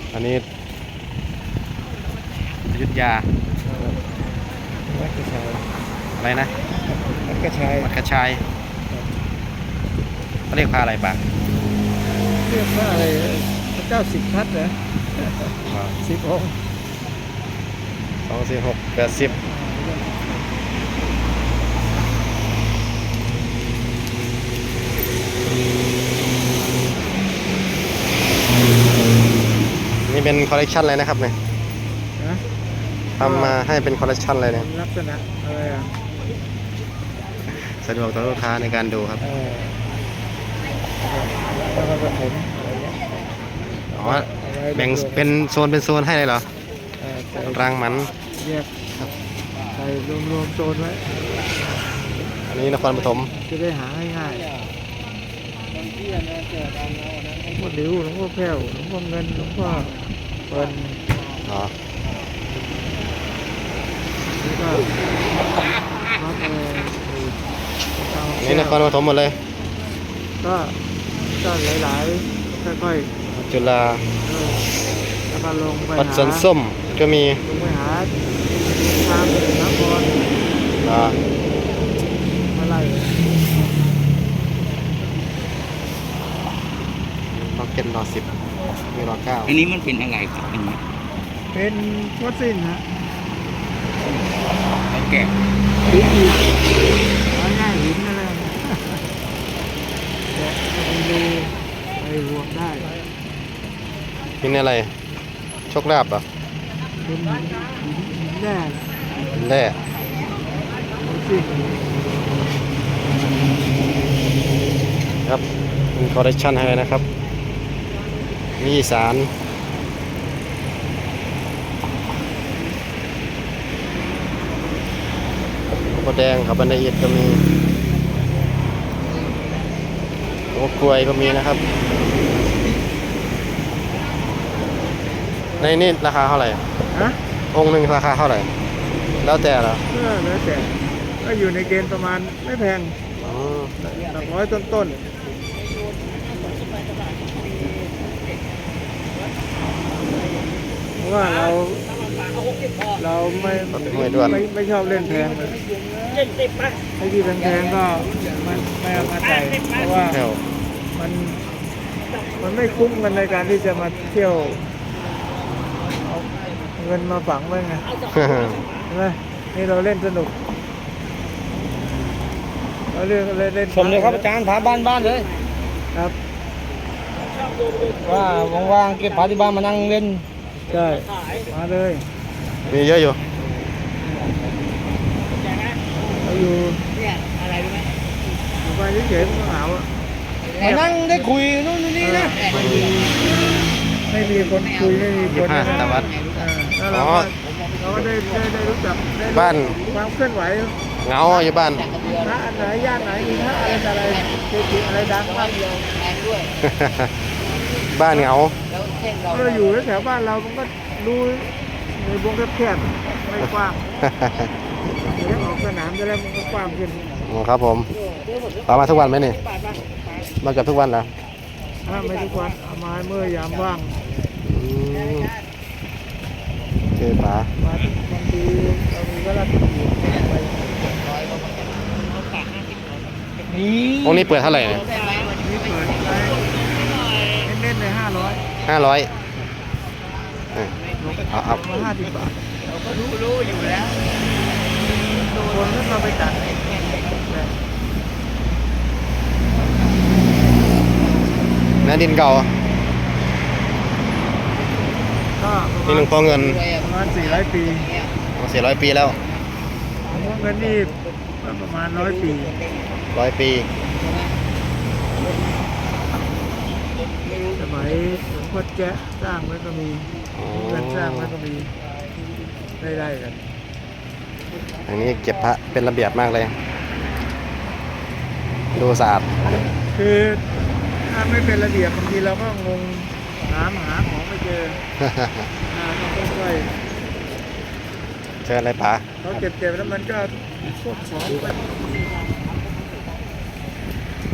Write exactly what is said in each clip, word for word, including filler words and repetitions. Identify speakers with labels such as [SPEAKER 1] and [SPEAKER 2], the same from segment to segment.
[SPEAKER 1] อันนี้อยุธยา
[SPEAKER 2] วัดกระชาย
[SPEAKER 1] อะไรนะ
[SPEAKER 2] วัดกระชาย
[SPEAKER 1] วัดกระชายเขาเรียกพาอะไรบ้าง
[SPEAKER 2] เรียกว่าอะไรพระเจ้าสิบทัศน์เหรอสิบองค์
[SPEAKER 1] สองสี่หกแปดสิบนี่เป็นคอลเลกชันเลยนะครับเนี่ยทำมาให้เป็นคอลเลกชันเลยเนี่ย
[SPEAKER 2] ลักษณะอะไรอ่ะ
[SPEAKER 1] สะดวกต่อลูกค้าในการดูครับ
[SPEAKER 2] แล้วก็ผม
[SPEAKER 1] อ๋อแบ่งเป็นโซนเป็นโซนให้เลยเหรอรังมัน
[SPEAKER 2] แยกใส่รวมๆโซนไว้
[SPEAKER 1] อันนี้นครปฐม
[SPEAKER 2] จะได้หาง่ายๆหลวงพ่อหลิวหลวงพ่อแพ้วหลวงพ่อเงินหลวงพ่อเปิล
[SPEAKER 1] อ๋อ
[SPEAKER 2] นี่ก็วัดเออ
[SPEAKER 1] นี่นครปฐมหมดเลย
[SPEAKER 2] ก็ก็หลายๆค่อย
[SPEAKER 1] ๆจุฬา
[SPEAKER 2] แล้วก็ลงไป
[SPEAKER 1] วัดสวนส้มก็มี
[SPEAKER 2] ลงไปหาทางนคร
[SPEAKER 1] อ่า
[SPEAKER 2] อะไร
[SPEAKER 1] ล็อกเก็ตรอสิบมีรอเก้า
[SPEAKER 3] อันนี้มันเป็นอะไรครับอันนี้
[SPEAKER 2] เป็นฟอสซิลฮะ
[SPEAKER 3] แล้วแกะ
[SPEAKER 2] หินหินง่ายหินอะไรแกะไปดูไปรวมได้
[SPEAKER 1] เป็นอะไรโชคลาภเหรอ
[SPEAKER 2] เป็นหินหินแร่
[SPEAKER 1] แร่ครับเป็นคอลเลคชันให้นะครับมีอีสานโคแดงครับบันไดเอ็ดก็มีโอ้กล้วยก็มีนะครับในนี่ราคาเท่าไหร่
[SPEAKER 2] ฮะ
[SPEAKER 1] องค์หนึ่งราคาเท่าไหร่แล้วแต่เหรอ
[SPEAKER 2] เออแล้วแต่ก็อยู่ในเกณฑ์ประมาณไม่แพงหลักร้อยต้นๆเพราะว่าเราเราไม่ไม่ไม่ชอบเล่นแพงเลยไอ้ที่แพงๆก็มันไม่เอามาใส่เพราะว่ามันมันไม่คุ้มกันในการที่จะมาเที่ยวเอาเงินมาฝังไว้ไงใช่ไหมนี่เราเล่นสนุกเราเล่นเล่นเล่น
[SPEAKER 3] ชมเลยครับอาจารย์พาบ้านบ้านเลย
[SPEAKER 2] ครับ
[SPEAKER 3] ว่าว่างๆเก็บพาที่บ้านมานั่งเล่น
[SPEAKER 2] ใช่มาเลย
[SPEAKER 1] มีเยอะอยู่
[SPEAKER 2] เราอยู่เนี่ยอะไรรู้ไหมอยู่ไปเฉยๆมันเหงาอ่ะ
[SPEAKER 3] มานั่งได้คุยนู่นนี่นะ
[SPEAKER 2] ไม่มีไม่มีคนคุยไม่มีคน
[SPEAKER 1] ห้าตะวัน
[SPEAKER 2] แล้วเราเราก็ได้ได้ได้รู้จัก
[SPEAKER 1] บ้าน
[SPEAKER 2] ความเคลื่อนไหว
[SPEAKER 1] เงาอยู่บ้าน
[SPEAKER 2] พระอันไหนย่านไหนมีพระอะไรอะไรเกจิอะไรดังบ้าง
[SPEAKER 1] บ้านเงา
[SPEAKER 2] เราอยู่แถวบ้านเรามันก็ดูในวงแคบๆไม่กว้างเดี๋ยวออกสนามจะแล้วมันก็กว้างขึ้น
[SPEAKER 1] ครับผมต่อมาทุกวันไหมนี่มาเกือบทุกวันแล้ว
[SPEAKER 2] ไม่ทุกวันเอามาเมื่อยามว่าง
[SPEAKER 1] โอเคป๋า
[SPEAKER 2] บางทีเรามีเวลาไป
[SPEAKER 1] นี่องค์นี้เปิดเท่าไหร่เนี่ย
[SPEAKER 2] นี่เปิดไปเน้นๆเลยห้าร้อย
[SPEAKER 1] ห้าร้อยเอาเอา
[SPEAKER 2] ห้าสิบบาทเราก็รู้รู้อยู่แล้วคนก็มาไปจัด
[SPEAKER 1] เนื้อดินเก่านี่หลวงพ่อเงิน
[SPEAKER 2] ประมาณสี่ร้อยปี
[SPEAKER 1] สี่ร้อยปีแล้ว
[SPEAKER 2] หลวงพ่อเงินนี่ประมาณร้อยปี
[SPEAKER 1] ร้อยปี
[SPEAKER 2] สมัยหลวงพ่อแจ๊ะสร้างไว้ก็มีเงินสร้างไว้ก็มีได้ได้กัน
[SPEAKER 1] อันนี้เก็บพระเป็นระเบียบมากเลยดูสะอาด
[SPEAKER 2] คือถ้าไม่เป็นระเบียบบางทีเราก็งงหาหาของไม่เจอต้องค่อย
[SPEAKER 1] เชิญอะไรป๋า
[SPEAKER 2] เขาเก็บๆแล้วมันก็พวกของไป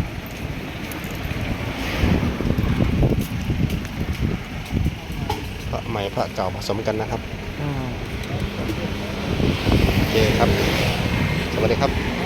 [SPEAKER 1] พหม่พระเก่าผสมกันนะครับ
[SPEAKER 2] อ่า
[SPEAKER 1] โอเคครับ สวัสดีครับ